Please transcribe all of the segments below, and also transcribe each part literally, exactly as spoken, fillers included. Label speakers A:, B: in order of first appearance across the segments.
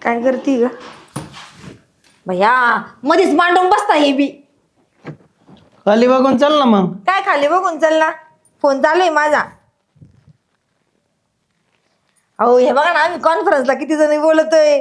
A: काय करती ग भैया? मध्येच मांडून बसता हे बी.
B: खाली बघून चल ना मग.
A: काय खाली बघून चल ना, फोन चालू आहे माझा. अहो हे बघा ना, आम्ही कॉन्फरन्सला किती जणी बोलतोय.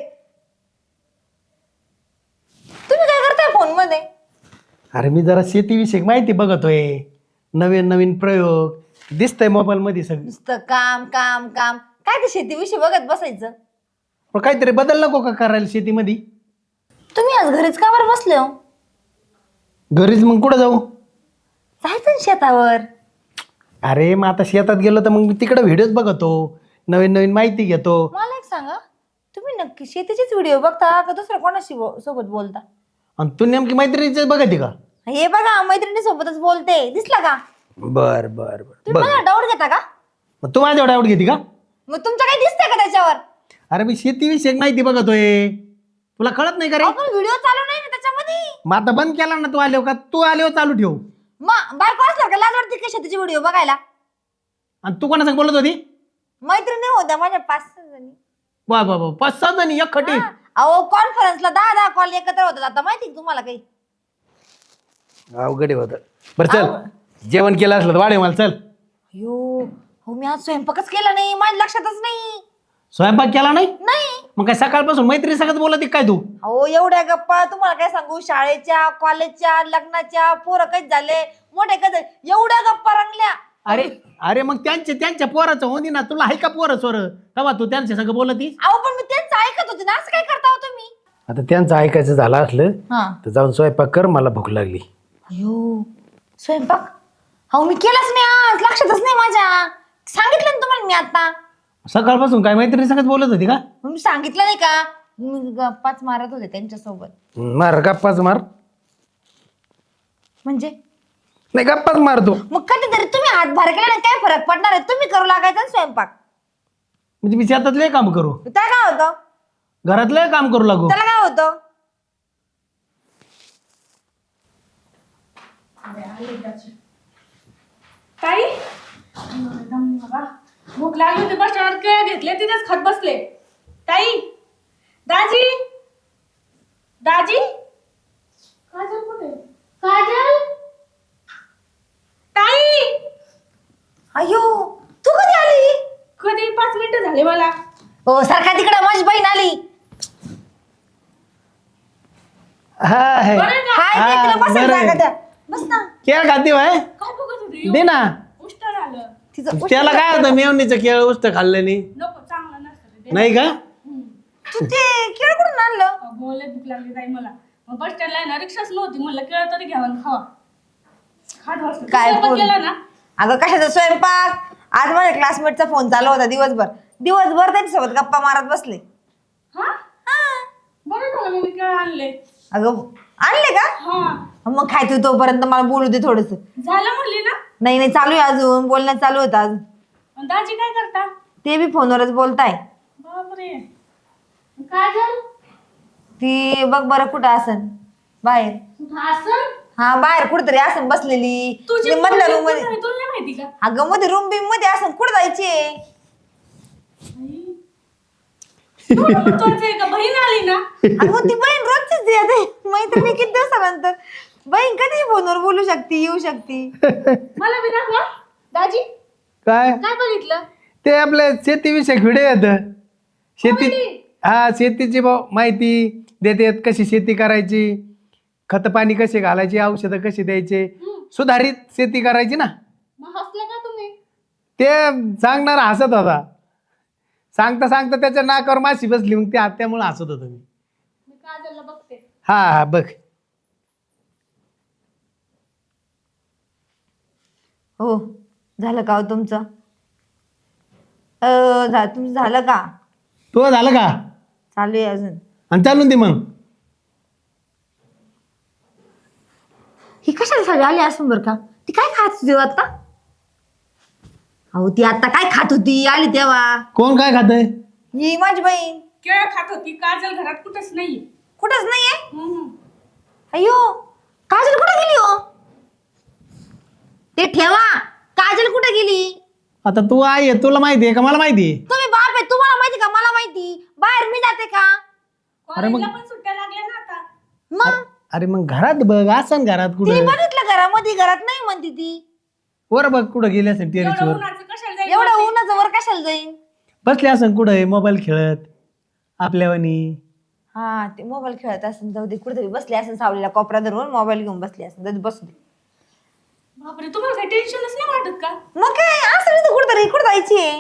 A: तुम्ही काय करताय फोन मध्ये?
B: अरे मी जरा शेतीविषयी माहिती बघतोय, नवीन नवीन प्रयोग दिसतंय मोबाईल मध्ये सगळं.
A: नुसतं काम काम काम, काय ते शेतीविषयी बघत बसायचं.
B: पण काहीतरी बदल नको का करायला शेतीमध्ये?
A: तुम्ही आज घरीच का बरं बसले हो?
B: घरीच मग कुठं जाऊ?
A: जायचं ना शेतावर.
B: अरे मग आता शेतात गेलो तर मग मी तिकडे व्हिडिओज बघतो, नवीन नवीन माहिती घेतो.
A: मला एक सांगा, तुम्ही नक्की शेतीचेच व्हिडिओ बघता का दुसऱ्या कोणाशी बो- सोबत बोलता?
B: आणि तू नेमकी मैत्रिणीचे बघते का?
A: हे बघा, मैत्रिणी सोबतच बोलते, दिसला का?
B: बर बर बर
A: तुम्ही मला डाऊट घेता का?
B: मग तू माझ्या डाऊट घेते का?
A: मग तुमचं काही दिसतंय का त्याच्यावर?
B: अरे मी शेतीविषयी माहिती बघतोय, तुला कळत नाही का रे?
A: आपण व्हिडिओ चालू नाही ना त्याच्यामध्ये.
B: मग आता बंद केला ना तू आल्यावर, का तू आल्यावर चालू ठेव.
A: मग बायको असणार का लाज वाटते का शेतीचे व्हिडिओ बघायला?
B: आणि तू कोणासंग बोलत होती?
A: मैत्रिणी होत्या माझ्या पाच सहा जणी.
B: वा वा वा, पाच सहा जणी एक खटी.
A: हा. अहो कॉन्फरन्सला दहा दहा कॉल एकत्र होतात आता, माहिती का तुम्हाला काही?
B: अवघड होत. बरं चल, जेवण केलं असलं तर वाढे मला चल.
A: अयो हो, मी आज स्वयंपाकच केला नाही, माझ्या लक्षातच नाही.
B: स्वयंपाक केला नाही?
A: नाही.
B: मग काय सकाळपासून मैत्री सगळं बोलत आहे काय तू?
A: अहो एवढ्या गप्पा तुम्हाला काय सांगू, शाळेच्या कॉलेजच्या लग्नाच्या, पोरं काही झाले मोठे काही झाले, एवढ्या गप्पा रंगल्या.
B: अरे अरे मग त्यांचे त्यांच्या पोराचं होती ना, तुला आहे का पोरं सोर तेव्हा तू त्यांच्या सगळं बोलतीस?
A: अहो पण मी त्यांचं ऐकत होते ना, असं काय करता हो तुम्ही?
B: आता त्यांचं ऐकायचं झालं असलं
A: हा.
B: तर जाऊन स्वयंपाक कर, मला भूक लागली.
A: अयो स्वयंपाक अहो मी केलाच नाही आज, लक्षातच नाही माझ्या. सांगितलं ना तुम्हाला मी आता.
B: सकाळपासून काय मैत्री सगळं बोलत होती का?
A: मग मी सांगितलं नाही का, मी गप्पाच मारत होते त्यांच्यासोबत.
B: मार गप्पाच मार.
A: म्हणजे
B: नाही गप्पाच मारतो.
A: मग कधीतरी तुम्ही हातभार केल्याने काय फरक पडणार आहे? तुम्ही करू लागायचा ना स्वयंपाक.
B: म्हणजे मी शेतातले काम करू,
A: त्याला काय होतं?
B: घरातलं काम करू लागू?
A: त्याला काय होतं?
C: ताई भूक लागली होती, बस स्टँडवर केळ घेतले, तिथेच खात बसले. ताई, दाजी, दाजी, काजल कुठे? काजल, ताई.
A: अयो तू कधी आली?
C: कधी पाच मिनिटं झाले मला.
A: हो सारखा तिकडे, माझी बहीण आली.
B: हा आहे.
C: बरं का?
A: हाय
B: हा,
A: ते, तिला बसायला
B: बरं आहे.
A: जागा द्या. बस ना.
B: केळ खाती भाई,
C: काय बघत होती?
B: दे ना.
C: उष्ट आलं.
A: तिचं
B: त्याला काय होतं, मेवणीचं केळ उस्त खाल्ल्याने
C: नको, चांगलं नसतं ते.
B: नाही का?
A: तू ते केळ कुठून आणलं?
C: बोले भूक लागली ताई मला. मग बस स्टँडला आहे ना, रिक्षाच नव्हती, म्हणलं केळ तरी घ्यावं आणि खावा. खात बसले.
A: काय
C: स्वयंपाक
A: बोल-
C: केला ना?
A: अगं कशाचा स्वयंपाक? आज माझ्या क्लासमेटचा फोन चालू होता दिवसभर. दिवसभर त्यांच्यासोबत गप्पा मारत बसले.
C: हा, बरं झालं मग मी केळ आणले.
A: अगं आणले का?
C: हा,
A: मग खायचं तोपर्यंत मला बोलू दे थोडस.
C: झालं म्हणली ना.
A: नाही नाही, चालू आहे अजून, बोलणं चालू होतं अजून.
C: आणि दाजी काय करता?
A: ते बी फोनवरच बोलताय.
C: बापरे. काजल,
A: ती बघ बरं कुठं असन बाहेर.
C: असं
A: हा बाहेर कुठतरी असन बसलेली.
C: तुझी
A: ती मधल्या रूम मध्ये.
C: तुला नाही माहिती का?
A: अगं मध्ये रूम बिम मध्ये असन, कुठं जायची?
C: कळतंय का? बहीण आली ना.
A: अगं ती बहीण रोजचीच येते, मैत्रिणी किती दिवसानंतर. बहीण कधी फोनवर बोलू शकते, येऊ शकते.
C: मला बी दाखवा दाजी.
B: काय
C: काय बघितलं?
B: ते आपल्या शेतीविषयक व्हिडिओ येत. शेती, हा शेतीची भाऊ माहिती देतात, कशी शेती करायची, खत पाणी कसे घालायचे, औषधं कशी द्यायचे, सुधारित शेती करायची ना.
C: मग हसलं का तुम्ही?
B: ते सांगणारा हसत होता. सांगता सांगता त्याच्या नाकावर माशी बसली, मग ते त्यामुळे हसत होतो मी.
C: मी काजलला बघते.
B: हा हा बघ.
A: हो झालं का हो तुमचं? अ झा तुमचं झालं का?
B: तो झालं का?
A: चालू आहे अजून.
B: आणि चालून दे मग.
A: ही कशासाठी आली असून बरं का? ती काय खात होती हो आता? अहो ती आता काय खात होती आली तेव्हा?
B: कोण काय खातंय?
A: ही माझी बहीण.
C: केळ खात होती. काजल घरात कुठंच नाहीये.
A: कुठंच नाहीये?
C: हम्म.
A: अयो काजल कुठे गेली हो? ते ठेवा, काजल कुठे गेली?
B: आता तू आहे, तुला माहिती आहे का मला माहिती आहे?
A: तुम्ही बाप आहे, तुम्हाला माहिती का मला माहिती? बाहेर मी जाते का?
C: कॉलेजला पण सुट्ट्या लागल्या ना आता.
A: मग
B: अरे मग घरात बघ असं घरात
A: तिने
B: कुठं
A: बघितलं घरामध्ये, घरात नाही म्हणते ती.
B: वर बघ कुठं गेली असेल
C: एवढं
B: टेरेसवर
C: उन्हाचं कशाला जाईल
A: एवढं
C: वरती?
A: उन्हाचं वर कशाला जाईन?
B: बसले असेल कुठं मोबाईल खेळत आपल्यावानी.
A: हा ते मोबाईल खेळत असेल, जाऊ दे, कुठेतरी बसले असेल सावलीला कोपरा धरून मोबाईल घेऊन बसले असेल, जाऊ दे, बसू दे.
C: बापरे, तुम्हाला काही टेन्शनच नाही वाटत का?
A: मग काय असं नाही तर कुठेतरी कुठं जायची आहे.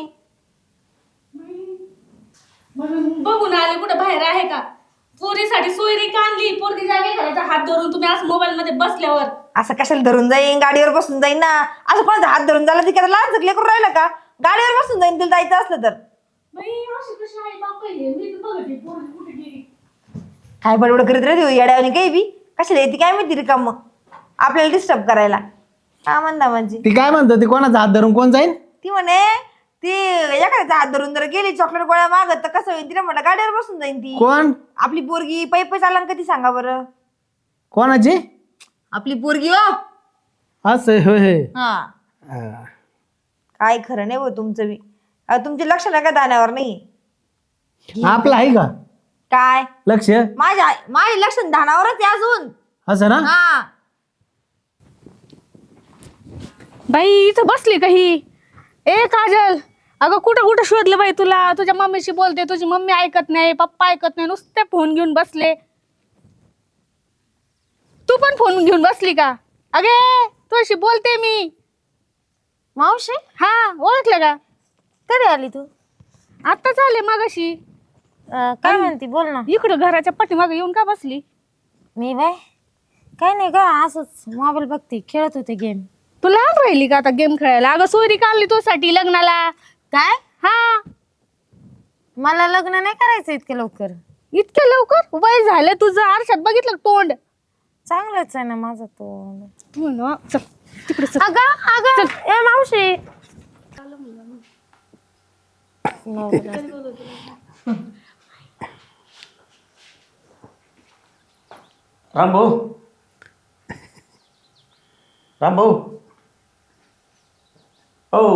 C: म्हणून बघून आले कुठं बाहेर आहे का? पोरीसाठी सोयरी आणली, पोरगी जागे घराचा हात धरून तुम्ही आज मोबाईल मध्ये बसल्यावर.
A: असं कशाला धरून जाईन, गाडीवर बसून जाईन ना. असं कोणाचा हात धरून झाला ती काय लहान झकले करून राहिलं का? गाडीवर बसून जाईन तिला जायचं असलं तर.
C: बाई अशी कशी आहे बाप, हे मी तर बघते पोरगी कुठे गेली.
A: काय बडबड करीत राहते येड्यावानी काही बी, कशाला येते काय माहिती रिकाम आपल्याला डिस्टर्ब करायला. हा म्हणता म्हणजे
B: ती काय म्हणतो, ती कोणाचा हात धरून कोण जाईल?
A: ती म्हणे ती एखाद्याचा हात धरून जर गेली चॉकलेट गोळ्या मागत तर कसं होईल, तिला म्हटलं गाडीवर बसून जाईन ती.
B: कोण?
A: आपली पोरगी पै पै चालन कधी सांगा बरं.
B: कोणाची?
A: आपली पोरगी हो.
B: असं होय होय.
A: हा
B: हा.
A: काय खरं नाही हो तुमचं बी. अहो, तुमचे लक्ष नका दाण्यावर नाही.
B: आपलं आहे का
A: काय
B: लक्ष?
A: माझ्या माझे लक्ष धानावरच आहे अजून.
B: असं ना?
A: हा
C: बाई इथं बसली का ही? ए काजल, अगं कुठं कुठं शोधलं बाई तुला. तुझ्या मम्मीशी बोलते, तुझी मम्मी ऐकत नाही, पप्पा ऐकत नाही, नुसते फोन घेऊन बसले. तू पण फोन घेऊन बसली का? अगे तुझ्याशी बोलते मी.
A: मावशी
C: हा ओळखलं का?
A: कधी आली तू?
C: आत्ताच आले मगाशी.
A: काय म्हणती बोल ना.
C: इकडं घराच्या पाठीमागे येऊन का बसली?
A: मी बाय काय नाही का, असंच मोबाईल बघते, खेळत होते गेम.
C: तू लहान राहिली का आता गेम खेळायला? अगं सोयरी काढली तुझ्यासाठी लग्नाला.
A: काय?
C: हा
A: मला लग्न नाही करायचं इतके लवकर.
C: इतक्या लवकर? वय झालं तुझं, आरशात बघितलं का तोंड?
A: चांगलंच आहे ना माझं तोंड.
C: तू ना चल तिकडे चल.
A: अगं अगं ए मावशी.
D: राम भाऊ, राम भाऊ, हो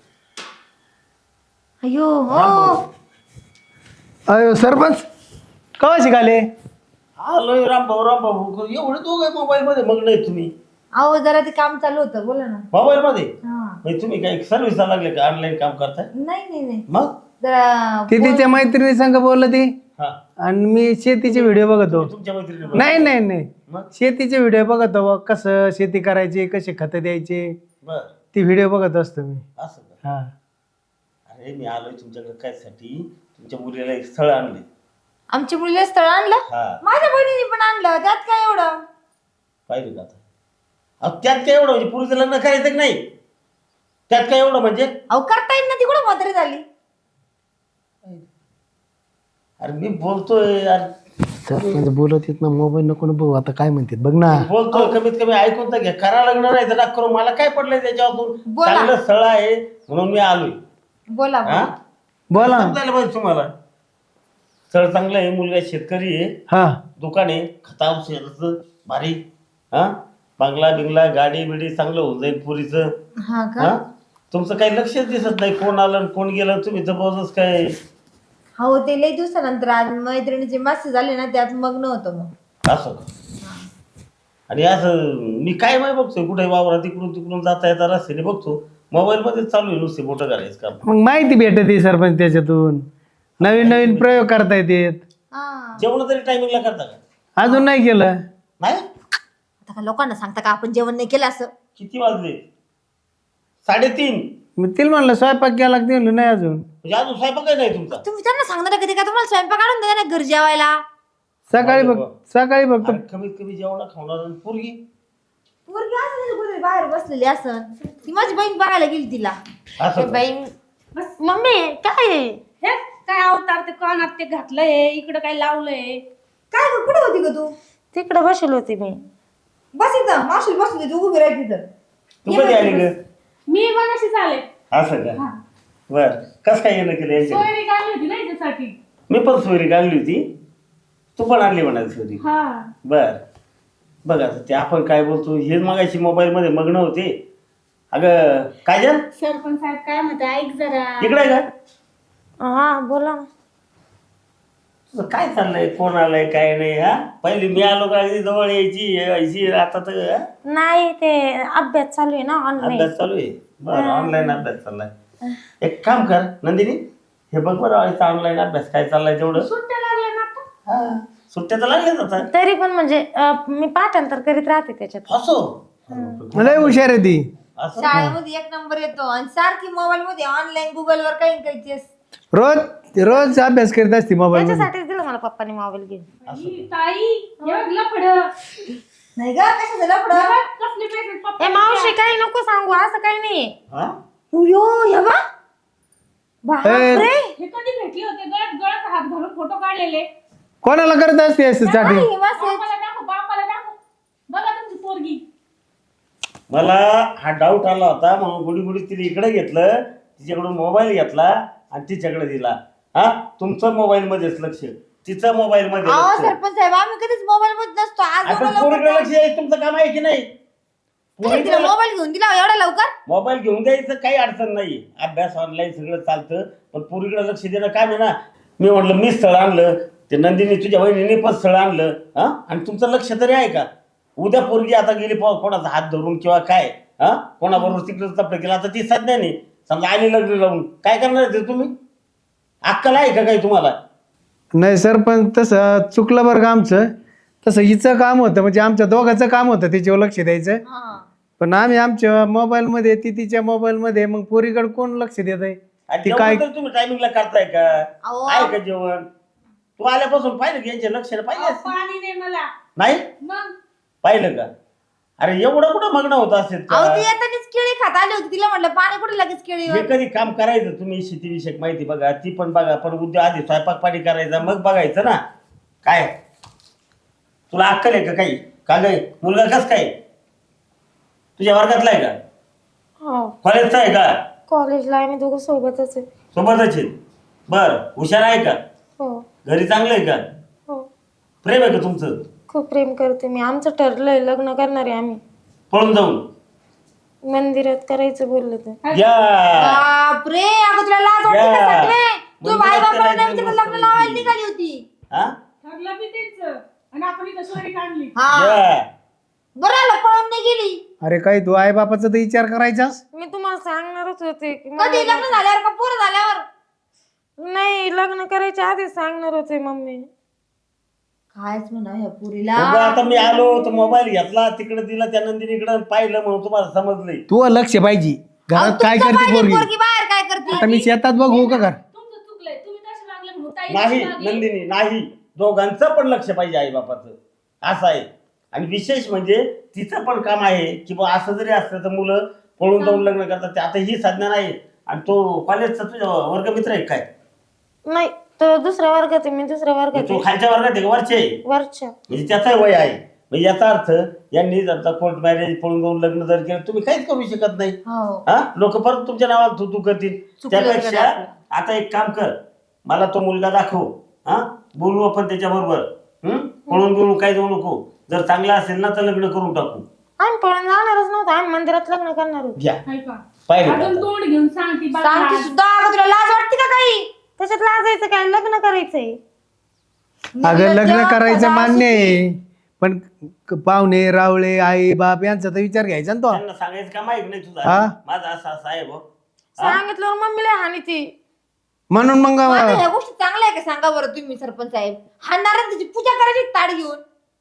A: अयो हो.
D: राम भाऊ.
B: अयो सरपंच कवा शिकाले?
D: आलोय राम भाऊ, राम भाऊ. एवढे दोघे मोबाईल मध्ये मग्न आहे तुम्ही?
A: अहो जरा ते काम चालू होतं, बोला ना.
D: मोबाईल मध्ये
A: हा
D: म्हणजे तुम्ही काही सर्व्हिसला लागले का? ऑनलाईन काम करताय?
A: नाही नाही नाही
D: मग
A: जरा
B: ती तिच्या मैत्रिणी संग बोललं ती,
D: हा,
B: आणि मी शेतीचे व्हिडिओ बघतो.
D: तुमच्या मैत्रिणी
B: नाही नाही नाही
D: मग
B: शेतीचे व्हिडिओ बघतो बघ, कसं शेती करायची, कसे खतं द्यायचे,
D: बर
B: ती व्हिडिओ बघत असतो मी.
D: असं का?
B: हा.
D: अरे मी आलोय तुमच्याकडे काय साठी, तुमच्या मुलीला एक स्थळ आणले.
A: आमच्या मुलीला स्थळ आणलं,
D: हा
A: माझ्या बहिणीने पण आणलं, त्यात काय एवढं.
D: पाहिलं का आता? अहो त्यात काय एवढं म्हणजे पुरीचं लग्न करायचं की नाही? त्यात काय एवढं म्हणजे?
A: अहो करता येईल ना, ती कुठं म्हातारी झाली.
D: अरे मी बोलतोय यार,
B: सरपंच बोलत येत ना, मोबाईल नको ना बघू, आता काय म्हणतात बघ ना.
D: बोलतोय कमीत कमी ऐकून तर घ्या. करा लग्न नाही तर करू, मला काय पडलंय त्याच्यातून?
A: बोला.
D: चांगलं स्थळ आहे म्हणून मी आलोय.
A: बोला
D: हा
A: बोला.
B: बोला.
D: समजायला पाहिजे तुम्हाला. स्थळ चांगलं आहे, मुलगा शेतकरी आहे,
B: हा
D: दुकान आहे खता औषधाचं भारी, हा बंगला बिंगला गाडी बिडी चांगलं होऊन जाईल पुरीचं.
A: हा का?
D: हा तुमचं काही लक्षच दिसत नाही, कोण आलं आणि कोण गेलं, तुम्ही जबरदस्त काय.
A: हो ते लई दिवसानंतर आज मैत्रिणीचे मेसेज झाले ना, त्यात मग्न होतो मग.
D: असं का? आणि असं मी काय माहिती बघतोय कुठे वावरा तिकडून तिकडून जाता येता रस्त्याने बघतो, मोबाईल मध्ये चालू आहे नुसते बोटं करायचं काम.
B: मग माहिती भेटते सरपंच त्याच्यातून, नवीन नवीन प्रयोग करता येतात.
A: हा
D: जेवण तरी टायमिंगला करता का?
B: अजून नाही केलं.
D: नाही.
A: आता का लोकांना सांगता का आपण जेवण नाही केलं असं?
D: किती वाजले? साडेतीन.
B: मी तिला म्हणलं स्वयंपाक केला की म्हणलं नाही अजून.
D: म्हणजे अजून स्वयंपाक काय नाही तुमचा?
A: तुम्ही त्यांना सांगणार कधी का तुम्हाला स्वयंपाक काढून द्या ना घर जेवायला.
B: सकाळी बघ, सकाळी बघतो.
D: अरे कमीत कमी जेवण खावणार आणि पोरगी.
A: पोरगी असं कुठे बाहेर बसलेली असं, ती माझी बहीण बघायला गेली तिला.
D: असं का?
A: बहीण मम्मी काय आहे?
C: हे काय अवतार ते कानात ते घातलंय, इकडं काय लावलंय?
A: काय ग, कुठे होती ग तू?
E: तिकडे बसेल होती मी.
A: बस इथं मावशीला बसू दे, तू उभी राहायची तिथं.
D: तू कधी आली ग?
C: मी मगाशीच आले.
D: असं का? बर कस काय येणं केलं यांच्या?
C: सोयरी काढली होती ना याच्यासाठी.
D: मी पण सोयरी काढली होती, तू पण आणली म्हणाली सोयरी.
C: हा
D: बर बघ आता ते आपण काय बोलतो हे मगाशी मोबाईल मध्ये मग्न होते. अगं काजल
C: सरपंच साहेब काय म्हणते ऐक जरा.
D: इकडे आहे का?
E: हा बोला ना.
D: तुझं काय चाललंय, कोण आलंय काय नाही? हा पहिली मी आलो का अगदी जवळ यायची यायची, आता तर हा?
E: नाही ते अभ्यास चालू आहे ना ऑनलाईन.
D: अभ्यास चालू आहे. बरं, ऑनलाईन अभ्यास चाललाय. एक काम कर नंदिनी, हे बघ बरं ऑनलाईन अभ्यास काय चाललाय तेवढं.
C: सुट्ट्या लागल्या ना आता.
D: हा सुट्ट्या तर लागल्याच आता.
E: तरी पण म्हणजे अं, मी पाठांतर करीत राहते त्याच्यात.
D: असो
B: लय हुशार आहे ती.
D: असं
A: शाळेमध्ये एक नंबर येतो आणि सारखी मोबाईल मध्ये ऑनलाईन गुगल वर काही काही तेच.
B: रोज रोज अभ्यास करीत असते मोबाईल मध्ये.
E: त्याच्यासाठीच दिलं मला पप्पाने मोबाईल घेऊन.
C: ही ताई एवढं लफड
A: नाही ग कशाचं लफडं?
C: कसले पैसे पप्पा
E: ए मावशी काही नको सांगू, असं काही नाही.
D: हा
A: उयो, हे बा. बापरे.
C: हे कधी भेटले होते? गळ्यात गळ्यात हात घालून फोटो काढलेले.
B: कोणाला करत असते साठी?
A: काय हे message?
C: बापाला दाखव, बापाला दाखव. बघा तुमची पोरगी.
D: मला हा डाऊट आला होता म्हणून गुडी गुडी तिने इकडे घेतलं, तिच्याकडून मोबाईल घेतला आणि तिच्याकडे दिला. हा तुमचं मोबाईल मध्येच लक्ष, तिचं मोबाईल मध्ये
A: अहो
D: लक्ष.
A: सरपंच साहेब आम्ही कधीच मोबाईल मध्ये नसतो. आज
D: आपण
A: एवढं
D: पोरीकडे
A: लवकर
D: लक्ष द्यायचं तुमचं काम आहे की नाही? पोरीकडे
A: मोबाईल घेऊन दिला एवढा लवकर?
D: मोबाईल घेऊन द्यायचं काही अडचण नाही, अभ्यास ऑनलाईन सगळं चालतं, पण पोरीकडे लक्ष देणं काम आहे ना. मी म्हटलं मी स्थळ आणलं, ते नंदिनी तुझ्या वहिनीने पण स्थळ आणलं, हा आणि तुमचं लक्ष तरी आहे का? उद्या पोरगी आता गेली पो- कोणाचा हात धरून किंवा काय, हा कोणाबरोबर तिकडे तपलं केलं, आता ती सध्या नाही समजा आली लग्न लावून, काय करणार ते तुम्ही? अक्कल आहे का काही तुम्हाला?
B: नाही सर, पण तसं चुकलं बरं का आमचं. तसं हिचं काम होतं, म्हणजे आमच्या दोघांचं काम होतं तिच्यावर लक्ष द्यायचं.
A: हा.
B: पण आम्ही आमच्या मोबाईल मध्ये, ती तिच्या मोबाईल मध्ये, मग पोरीकडे कोण लक्ष देत आहे?
D: आणि
B: ती
D: जेवण
B: काय
D: तर तुम्ही टायमिंगला करताय का?
A: अहो.
D: आहे का जेवण? तू आल्यापासून पाहिलं की यांचे लक्ष पाहिजे
C: अहो, पाणी दे मला.
D: नाही
C: मग
D: पाहिलं का? अरे एवढं कुठं मग्न होत असेल का?
A: अहो ती येतानीच केळी खात आली होती, तिला म्हटलं पाणी कुठे लगेच केळी.
D: हे कधी काम करायचं तुम्ही, शेतीविषयक माहिती बघा, ती पण बघा, पण उद्या आधी स्वयंपाक पाणी करायचा मग बघायचं ना. काय तुला अक्कल आहे का काही? का ग मुलगा कस काय तुझ्या वर्गातला आहे का?
E: हो
D: कॉलेजचा आहे का?
E: कॉलेजला आम्ही दोघं सोबतच आहे.
D: सोबतच आहे. बर हुशार आहे का?
E: हो
D: घरी चांगलं आहे का?
E: हो
D: प्रेम आहे का तुमचं?
E: खूप प्रेम करते मी. आमचं ठरलंय लग्न करणार आहे आम्ही.
D: पळून जाऊन
E: मंदिरात करायचं बोललं तर.
D: या
A: बापरे, अगं तुला लाज वाटते का
D: या.
A: सगळे? तू
D: मंदिरात
A: बाई बापाला
D: करायचं
A: नाही विचारलं, लग्न
D: गोष्ट
A: लावायला
D: होती.
A: निघाली होती.
D: हा
C: ठरलं बी त्यांचं आणि आपण इथं सोयरी काढली.
A: हा
D: या.
A: बरं आलं, पळून नाही गेली.
B: अरे काय तू आई बापाचा तर विचार करायचास?
E: मी तुम्हाला सांगणारच होते की
A: कधी
E: मला-
A: लग्न झाल्यावर का पोरं झाल्यावर?
E: नाही, लग्न करायच्या आधीच सांगणार होते मम्मी.
A: कायच म्हणा ह्या पुरीला.
D: उगा आता मी आलो तर मोबाईल घेतला, तिकडे दिला त्या नंदिनीकडे, पाहिलं म्हणून तुम्हाला समजलंय.
B: तू लक्ष पाहिजे
A: अहो,
B: घरात काय
A: तुमचं
B: करते
A: पाहिजे,
B: पोरगी.
A: पोरगी बाहेर काय करते?
B: आता मी शेतात बघू का घर?
C: तुमचं चुकलंय, तुम्ही तसे वागले म्हणून ताई
D: नाही
C: तशी वागली.
D: नंदिनी नाही, दोघांचं पण लक्ष पाहिजे आई बापाचं, असं आहे. आणि विशेष म्हणजे तिचं पण काम आहे की बा असं जरी असलं तर मुलं पळून जाऊन लग्न करतात, ते आता ही साधना नाही. आणि तो कॉलेजचा तुझा वर्गमित्र आहे काय?
E: नाही, तो दुसऱ्या वर्गात आहे, मी दुसऱ्या वर्गात
D: तो
E: आहे.
D: खालच्या वर्गात आहे का वरचे आहे?
E: वरच्या.
D: म्हणजे त्याचा वय आहे, म्हणजे याचा अर्थ यांनी जर कोर्ट मॅरेज पळून जाऊन लग्न जर केलं तुम्ही काहीच करू शकत नाही.
A: हो.
D: हा लोक परत तुमच्या नावाला तू तू करतील.
A: चुकलं
D: त्यापेक्षा
A: का आपलं?
D: आता एक काम कर, मला तो मुलगा दाखव, हा बोलू आपण त्याच्या बरोबर. हम्म पळून बिळून काय जाऊ नको, जर चांगला असेल ना तर लग्न करून टाकू.
E: आम्ही पळून जाणारच नव्हतं, आम्ही मंदिरात लग्न करणार होतो.
D: घ्या
C: हाय का?
D: पाहिलं
C: अजून
D: का?
C: तोंड घेऊन सांगती बघा
A: सांगते
C: आज.
A: सुद्धा, अगं तुला लाज वाटते का काही?
E: त्याच्यात लाजायचं काय, लग्न करायचंय.
B: अगं लग्न
A: तेव्हा
B: करायचं
A: सदा
B: मान्य आहे, पण क- पाहुणे रावळे आई बाप यांचा तर विचार घ्यायचा ना तो.
D: त्यांना सांगायचं का माहित नाही तुझा
B: हा?
D: माझा असा असा आहे भाऊ.
E: सांगितल्यावर मम्मीला हानी ती.
B: म्हणून मग
A: आता ह्या गोष्टी चांगल्या आहे का सांगा बरं तुम्ही सरपंच साहेब? हाणणारच त्याची पूजा करायची ताड घेऊन.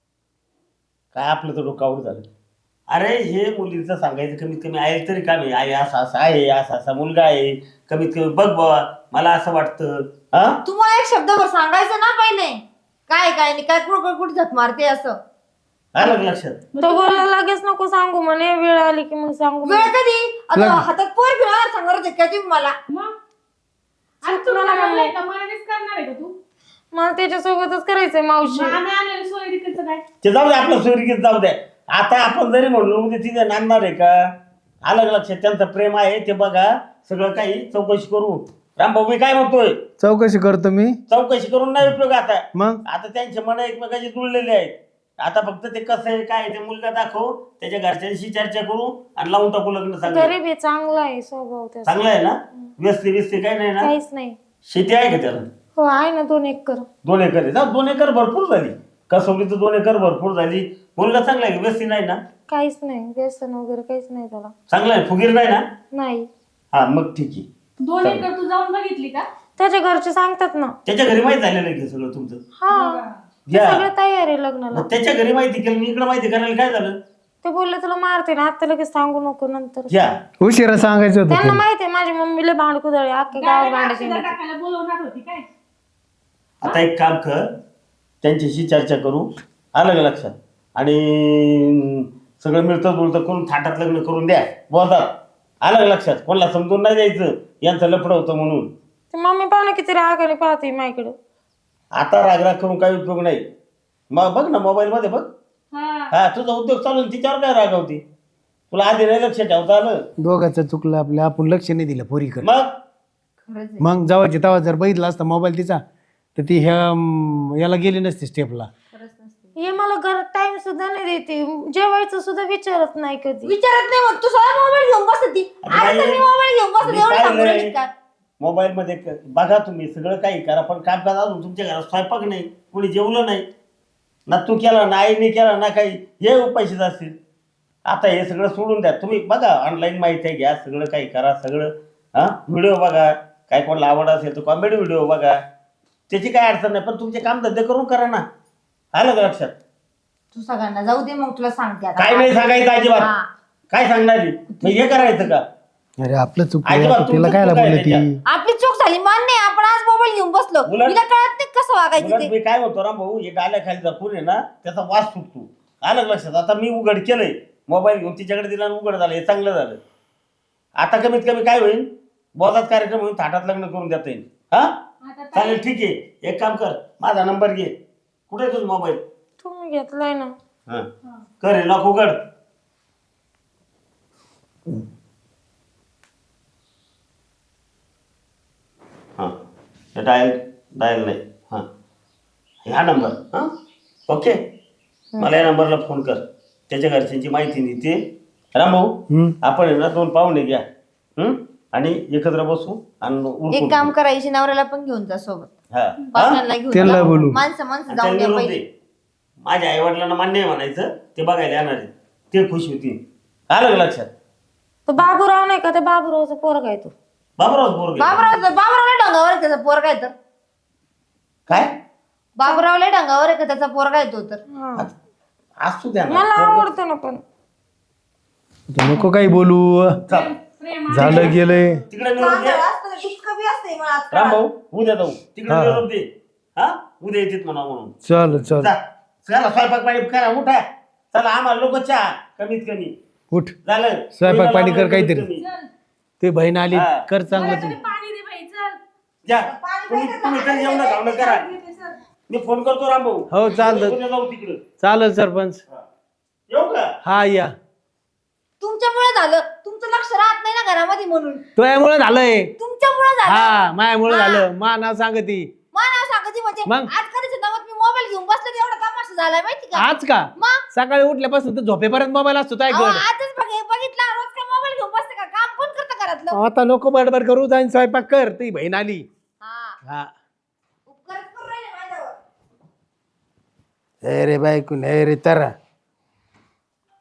D: काय आपलं तर डोकावर झालं. अरे हे मुलीचं सांगायचं कमीत कमी आहे तरी काम आहे, आई असा असा आहे, असा असा मुलगा आहे, कमीत कमी बघ बाबा मला असं वाटतं. हा
A: तुम्हाला एक शब्दभर सांगायचं ना पहिले, काय काय नाही काय कुठं कुठे झक मारते असं.
D: आलं का लक्षात?
E: तो बोलला लगेच नको सांगू म्हणे, वेळ आली की मग सांगू
A: वेळ
E: म्हणे.
A: कधी? आता
B: लग्न.
A: हातात पोर घेऊन सांगणार होते का तुम्ही मला?
C: मग आणि तू
E: चुकलं ना
C: करणार
E: मम्मी.
C: आहे का? मनानेच करणार आहे का तू?
E: मला त्याच्यासोबतच करायचंय मावशी.
C: आम्ही आलेलो सोयरीकडचं काय?
D: ते जाऊ दे, आपलं सोयरीकीत जाऊ द्या. आता आपण जरी म्हणलो म्हणजे तिथे नांदणार आहे का? आलं का लक्षात? त्यांचं प्रेम आहे ते बघा, सगळं काही चौकशी करू. रामभाऊ मी काय म्हणतोय,
B: चौकशी करतो मी.
D: चौकशी करून नाही उपयोग. आता
B: मग
D: आता त्यांचे मन एकमेकाचे जुळलेले आहेत. आता फक्त ते कसं आहे काय आहे ते मुलगा दाखव, त्याच्या घरच्यांशी चर्चा करू आणि लावून टाकू लग्न. चांगलं
E: गरीब आहे, चांगला आहे स्वभाव त्याचा.
D: चांगलं आहे ना? व्यस्ती बिस्ती काही नाही ना?
E: काहीच नाही.
D: शेती आहे का त्याला?
E: हो आहे ना दोन एकर.
D: दोन एकर आहे जा, दोन एकर भरपूर झाली. कसवली तर दोन एकर भरपूर झाली. मुलगा चांगला आहे, व्यवस्थित नाही ना?
E: काहीच नाही, व्यसन वगैरे काहीच नाही त्याला.
D: चांगला आहे, फुगीर नाही ना?
E: नाही.
D: हा मग ठीक आहे.
C: दोन एकर तू जाऊन बघितली का?
E: त्याच्या घरचे सांगतात ना.
D: त्याच्या घरी माहिती झालेलं आहे की सगळं तुमचं?
E: हा ते
D: घ्या.
E: सगळं तयार आहे लग्नाला.
D: मग त्याच्या घरी माहिती केलं मी इकडे माहिती करायला काय झालं?
E: ते बोलले तुला मारते ना आता, लगेच सांगू नको नंतर.
D: घ्या.
B: उशिरा सांगायचं होतं
E: त्यांना
B: ते.
E: माहिती आहे माझी मम्मीला भांड कुदळे अख्ख्या गावात भांडायची.
C: अक्षदा टाकायला बोलवणार होती काय?
D: आता एक काम कर, त्यांच्याशी चर्चा करू, आलं का लक्षात? आणि सगळं मिळतं जुळतं करून थाटात लग्न करून द्या बोलतात. आलं का लक्षात? कोणाला समजून नाही द्यायचं यांचं लफडं होतं म्हणून.
E: ते मम्मी पाहुणे किती रागाने पाहते माझ्याकडे.
D: आता रागराग करून काही उपयोग नाही. मग बघ ना मोबाईल मध्ये बघ.
C: हा
D: हा तुझा उद्योग चालू आहे, तिच्यावर काय रागावती? तुला आधी नाही लक्ष ठेवता आलं?
B: दोघाचं चुकलं आपलं, आपण लक्ष नाही दिलं पोरीकडे.
D: मग
A: खरंच आहे.
B: मग जावाची तेव्हा जर बघितला असता मोबाईल तिचा तर ती ह्या अं, याला गेली नसती स्टेपला.
A: खरंच नसते.
E: हे मला घरात टाइम सुद्धा नाही देते, जेवायचं सुद्धा विचारत नाही कधी.
A: विचारत नाही मग तू सगळा मोबाईल घेऊन बसत ती. आज तर मी मोबाईल घेऊन बसत, एवढं सांगू राहिली का?
D: मोबाईल मध्ये क- बघा तुम्ही सगळं काही करा, पण कामकाज अजून तुमच्या घरात स्वयंपाक नाही, कोणी जेवलं नाही ना, तू केला ना, आईने केला ना, काही हे उपाशीच असतील. आता हे सगळं सोडून द्या तुम्ही. बघा ऑनलाईन माहिती आहे, घ्या सगळं काही करा सगळं. हा व्हिडिओ बघा, काय कोणाला आवड असेल तर कॉमेडी व्हिडिओ बघा, त्याची काय अडचण नाही, पण तुमचे काम धंदे करून करा ना. आलं का लक्षात?
A: तू सगळ्यांना जाऊ दे, मग तुला सांगते आता.
D: काय नाही सांगायचं अजिबात.
A: हा.
D: काय सांगणार मग हे करायचं का?
B: अरे आपलं चुकलं,
D: अजिबात
B: आता तिला
D: तुमचं
B: काय
D: चुकायला
B: बोलली ती?
D: त्याच्यात.
A: आपली चूक झाली मान्य आहे, आपण आज मोबाईल घेऊन बसलो.
D: उलट-
A: तिला कळत नाही कसं वागायचं
D: उलट
A: ते.
D: मी काय म्हणतो ना भाऊ, हे डाल्याखाली जपून आहे ना त्याचा वास सुटतो. आलं का लक्षात? आता मी उघड केलंय, मोबाईल घेऊन तिच्याकडे दिला आणि उघड झालं, हे चांगलं झालं. आता कमीत कमी काय होईल, बोधात कार्यक्रम होईल, थाटात लग्न करून देता येईल. हा
C: आता
D: चालेल, ठीक आहे. एक काम कर, माझा नंबर घे. कुठे तुझा मोबाईल?
E: तुम्ही घेतलाय ना.
D: हा कर, हे लॉक उघड. हा डायल डायल नाही, हा ह्या नंबर. हा ओके, मला या नंबरला फोन कर, त्याच्या घरच्यांची माहिती नाही ते. रामभाऊ
B: हम्म.
D: आपण आहे ना दोन पाहुणे घ्या, हम्म, आणि एकत्र बसू आणि उरकून
A: एक काम करायची, नवऱ्याला पण घेऊन जा सोबत.
D: हा. हा?
A: पाहुण्यांना घेऊन
B: त्यांना
A: जा.
B: बोलू.
A: माणसं माणसं
D: आणि
A: जाऊन
D: त्यांनी
A: द्या
D: निरोप
A: पहिले.
D: दे. माझ्या आई वडिलांना मान्य आहे म्हणायचं, ते बघायला येणार आहेत, ते खुश होतील. आलं का लक्षात?
E: तो बाबूराव नाही का, ते बाबूरावचा पोरगा आहे तो.
D: बाबराव बोर
A: बाबराव बाबरावला ढंगावर आहे त्याचा पोरगा आहे तर.
D: काय
A: बाबरावला ढंगावर आहे का त्याचा पोरगा आहे तो तर.
E: हा.
D: असू द्या ना.
E: मला आवडतं ना पण.
B: तू नको काही बोलू,
D: चल,
C: प्रेम
B: झालं गेलंय.
D: तिकडे निरोप दे.
A: दुष्क बी असते मला आजकाल.
D: रामभाऊ उद्या जाऊ, तिकडे
B: हा.
D: निरोप दे. हा उद्या येतात म्हणा म्हणून.
B: चल चल
D: जा, चला स्वयंपाक पाणी करा, उठा. चला आम्हाला लोक चहा कमीत कमी
B: उठ,
D: झालं.
B: स्वयंपाक पाणी कर
D: कमीत
B: काहीतरी.
D: कमी.
B: ते बहीण आली,
D: हा.
B: कर चांगलं
C: मला
B: तू.
C: तरी पाणी दे बाई, चल.
D: जा तुम्ही तुम्ही तरी जेवण खावणं करा. मी फोन करतो रामभाऊ.
B: हो चालतं,
D: उद्या जाऊ तिकडं.
B: चालेल सरपंच.
D: येऊ का?
B: हा या,
A: तुमच्यामुळे झालं, तुमचं लक्ष राहत नाही ना घरामध्ये म्हणून.
B: तुझ्यामुळे झालंय.
A: तुमच्यामुळे झालं.
B: हा मायामुळे
A: हा.
B: झालं, मा नाव सांगती.
A: मला नाव सांगायची म्हणजे
B: मग?
A: आज कधीच नावात मी मोबाईल घेऊन बसले तर एवढा तमाशा झालाय माहिती का?
B: आज का
A: मग
B: सकाळी उठल्यापासून तर झोपेपर्यंत मोबाईल असतो काय
A: अहो,
B: कर.
A: आजच बघ बघितला रोज काय मोबाईल घेऊन बसते का? काम कोण करतं घरातलं?
B: आता नको बडबड करू, जाईन स्वयंपाक कर. ती बहीण आली.
A: हा
B: हा
A: उपकारच करून राहिले माझ्यावर.
B: अरे बायकून अरे तरा